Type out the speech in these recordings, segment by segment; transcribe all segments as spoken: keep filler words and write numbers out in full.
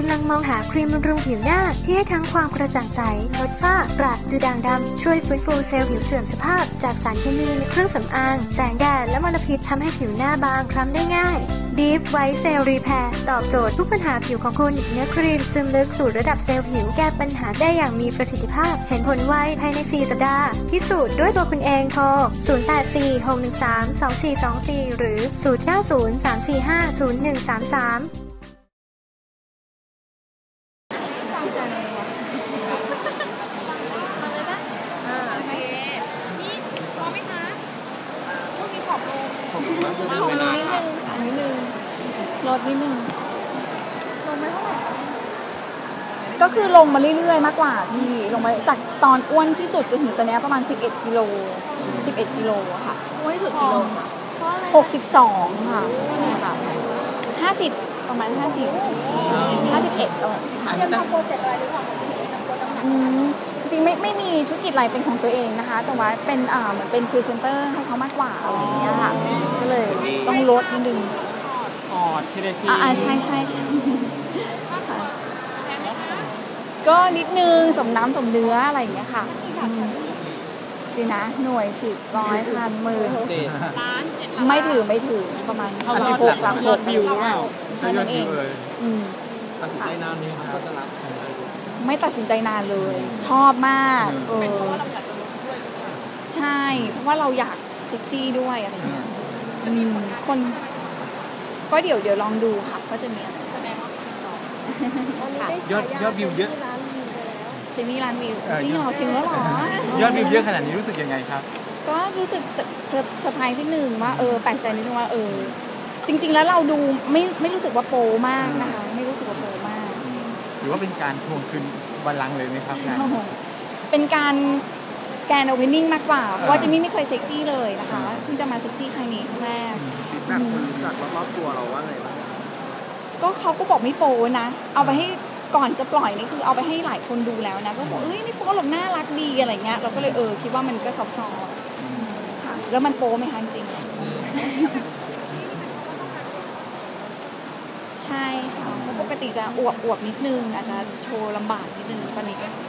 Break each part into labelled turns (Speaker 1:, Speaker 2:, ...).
Speaker 1: ำลังมองหาครีมบำรุงผิวหน้าที่ให้ทั้งความกระจ่างใสลดฝ้ากระดูด่างดำช่วยฟื้นฟูเซลล์ผิวเสื่อมสภาพจากสารเคมีในเครื่องสำอางแสงแดดและมลพิษทำให้ผิวหน้าบางคล้ำได้ง่าย Deep White Cell Repair ตอบโจทย์ทุกปัญหาผิวของคุณเนื้อครีมซึมลึกสู่ระดับเซลล์ผิวแก้ปัญหาได้อย่างมีประสิทธิภาพเห็นผลไวภายในสี่สัปดาห์พิสูจน์ด้วยตัวคุณเองโทรศูนย์ แปด สี่ หก หนึ่ง สาม สอง สี่ สอง สี่หรือศูนย์ เก้า ศูนย์ สาม สี่ ห้า ศูนย์ หนึ่ง สาม สาม
Speaker 2: ลงนิดนึงอันนิดนึงลดนิดนึงลงไม่เท่าไหร่ก็คือลงมาเรื่อยๆมากกว่าพี่ลงมาจากตอนอ้วนที่สุดจนถึงตอนนี้ประมาณสิบเอ็ดกิโลสิบเอ็ดกิโลอะค่ะอ้วนที่สุดกิโลหกสิบสองค่ะค่ะห้าสิบประมาณห้าสิบห้าสิบเอ็ดตอนยังทำโปรเจกต์อะไรหรือเปล่าอืมจริงไม่ไม่มีธุรกิจอะไรเป็นของตัวเองนะคะแต่ว่าเป็นอ่าเหมือนเป็นพรีเซนเตอร์ให้เขามากกว่าอะไรอย่างเงี้ยค่ะก็เลยต้องลดนิดนึง
Speaker 3: อ๋อเทเลชี
Speaker 2: อ่าใช่ใช่ใช่ค่ะก็นิดนึงสมน้ำสมเนื้ออะไรอย่างเงี้ยค่ะดีนะหน่วยสิบร้อยพันหมื่นไม่ถือไม่ถือประมาณสิบหกหลักหกวิวหรือเปล่าแค่นั้นเอง
Speaker 3: ตัดสินใจนานไหมครับก็จะรับ
Speaker 2: ไม่ตัดสินใจนานเลยชอบมากเออใช่เพราะว่าเราอยากเซ็กซี่ด้วยอะไรเงี้ยคนก็เดี๋ยวเดี๋ยวลองดูค่ะว่าจะมีอะไร
Speaker 3: ยอดยอดวิวเยอะ
Speaker 2: เจมี่ร้านวิวจริงเหรอถึงแล้วหร
Speaker 3: อยอดวิวเยอะขนาดนี้รู้สึกยังไงครับ
Speaker 2: ก็รู้สึกเซอร์ไพรส์ที่หนึ่งว่าเออแปลกใจนิดนึงว่าเออจริงๆแล้วเราดูไม่ไม่รู้สึกว่าโปมากนะคะไม่รู้สึกว่าโปมาก
Speaker 3: หรือว่าเป็นการทวงคืนบัลลังก์เลยไหมครับ
Speaker 2: เป็นการแกนโอเพนนิ่งมากกว่าเพราะว่าเจมี่ไม่เคยเซ็กซี่เลยนะคะเพิ่งจะมาเซ็กซี่ครั้งนี้ครั้งแรก
Speaker 3: ฟีดแบ็กคนรู้จักรอบๆตัวเราว่าไงบ้าง
Speaker 2: ก็เขาก็บอกไม่โปนะเอาไปให้ก่อนจะปล่อยนี่คือเอาไปให้หลายคนดูแล้วนะก็บอกเอ้ยไม่โปหรอกน่ารักดีอะไรเงี้ยเราก็เลยเออคิดว่ามันก็ซอฟต์ๆค่ะแล้วมันโปไหมคะจริงใช่ค่ะปกติจะอวบอวบนิดนึงอาจจะโชว์ลำบากนิดนึงตอนนี้ก็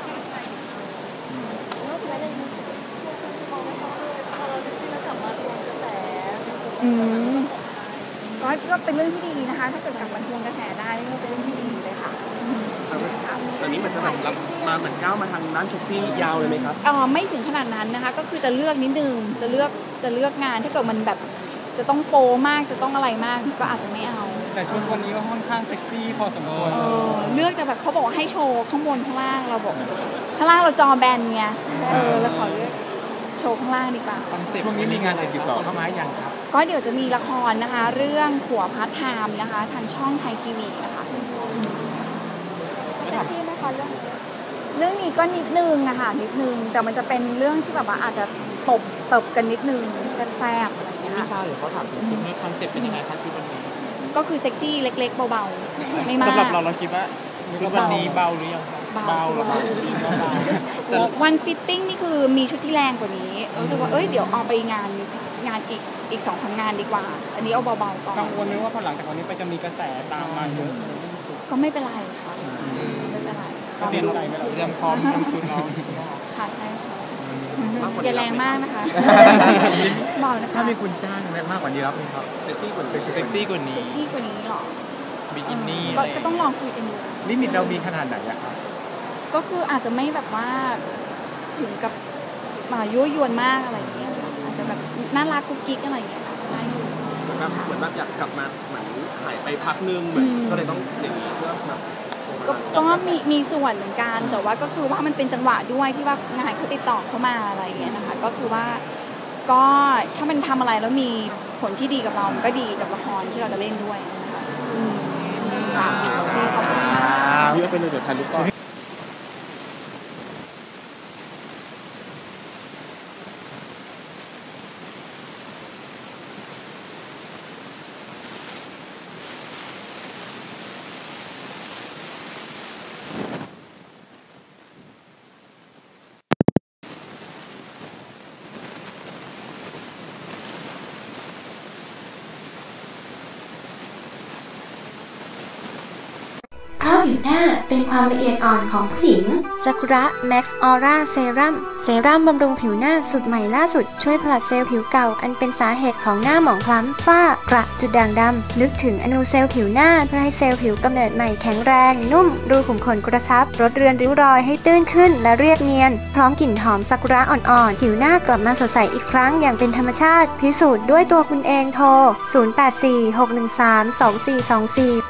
Speaker 2: อืมก็ก็เป็นเรื่องที่ดีนะคะถ้าเกิดกลับมาทวงกระแสได้ก็เป็นเรื่องที่ดีเลยค่ะ
Speaker 3: ตอนนี้มันจะแบบมาเหมือนก้าวมาทางด้านชุดที่ยาวเลยไหมครับ
Speaker 2: อ๋อไม่ถึงขนาดนั้นนะคะก็คือจะเลือกนิดนึงจะเลือกจะเลือกงานถ้าเกิดมันแบบจะต้องโปมากจะต้องอะไรมากก็อาจจะไม่เอา
Speaker 3: แต่ชุดวันนี้ก็ค่อนข้างเซ็กซี่พอสมควร
Speaker 2: เลือกจะแบบเขาบอกว่าให้โชว์ข้างบนข้างล่างเราบอกข้างล่างเราจอแบนไงเออแล้วขอเลือกโชว์ข้างล่างดีกว่า
Speaker 3: ช่วงนี้มีงานอะไรติดต่อเข้ามายังครับ
Speaker 2: ก็เดี๋ยวจะมีละครนะคะเรื่องผัวพาร์ทไทม์นะคะทางช่องไทยทีวีนะคะเซ็กซี่ไหมคะเรื่องเรื่องนี้ก็นิดนึงอะค่ะนิดนึงแต่มันจะเป็นเรื่องที่แบบว่าอาจจะตบตบกันนิดนึงแซ่บๆอะไรอย่างเงี้ยค่ะ
Speaker 3: พี่ชายเดี๋ยวเขาถามถึงชุดนี้คอนเซ็ปต์เป็นยังไงคะชุดวันนี้
Speaker 2: ก็คือเซ็กซี่เล็กๆเบาๆไม่มาก
Speaker 3: สำหรับเราเราคิดว่าชุดวันนี้เบาหรือยังเบาหรือเปล่า
Speaker 2: แต่วันฟิตติ้งนี่คือมีชุดที่แรงกว่านี้รู้สึกว่าเอ้ยเดี๋ยวเอาไปงานงานอีกอีกสองสามงานดีกว่าอันนี้เอาเบาๆก่อน
Speaker 3: กังวลไหมว่าพอหลังจากวันนี้ไปจะมีกระแสตามมาเยอะ
Speaker 2: ก็ไม่เป็นไรค่ะไม่เป็นไร
Speaker 3: เตรียมใจเตรียมพร้อมทำชุดเรา
Speaker 2: ค่ะใช่ค่ะอย่าแรงมากนะคะบอกนะคะ
Speaker 3: ถ้ามีคุณจ้างมากกว่านี้รับไหมครับเซ็กซี่กว่านี้เซ็กซี่กว่านี้
Speaker 2: เซ็กซี่กว่านี้หรอ
Speaker 3: บิกินี่
Speaker 2: ก็ต้องลองคุยกันดู
Speaker 3: ลิมิตเรามีขนาดไหนอะครับ
Speaker 2: ก็คืออาจจะไม่แบบว่าถึงกับมายั่วยวนมากอะไรอย่างเงี้ยอาจจะแบบน่ารักกุ๊กกิ๊กอะไรอย่างเงี้ยได้อยู่
Speaker 3: เหมือนแบบเหมือนแบบอยากกลับมาเหมือนหายไปพักนึงเหมือนก็เลยต้องอย่างนี้เพื่อแบบ
Speaker 2: ก็มีมีส่วนเหมือนกันแต่ว่าก็คือว่ามันเป็นจังหวะด้วยที่ว่างานเขาติดต่อเข้ามาอะไรอย่างเงี้ยนะคะก็คือว่าก็ถ้ามันทำอะไรแล้วมีผลที่ดีกับเรามันก็ดีกับละครที่เราจะเล่นด้วยนะคะค่ะโอเคขอบคุณค่ะ
Speaker 3: พี่ก็เป็นเดือดทันลูกก้อน
Speaker 1: ราะผิวหน้าเป็นความละเอียดอ่อนของผู้หญิงซากุระแม็กซ์ออร่าเซรั่มเซรั่มบำรุงผิวหน้าสูตรใหม่ล่าสุดช่วยผลัดเซลล์ผิวเก่าอันเป็นสาเหตุของหน้าหมองคล้ำฝ้ากระจุดด่างดำนึกถึงอนูเซลล์ผิวหน้าเพื่อให้เซลล์ผิวกำเนิดใหม่แข็งแรงนุ่มรูขุมขนกระชับลดเรือนริ้วรอยให้ตื้นขึ้นและเรียบเนียนพร้อมกลิ่นหอมซากุระอ่อนๆผิวหน้ากลับมาสดใสอีกครั้งอย่างเป็นธรรมชาติพิสูจน์ด้วยตัวคุณเองโทรศูนย์ แปด สี่ หก หนึ่ง สาม สอง สี่ สอง สี่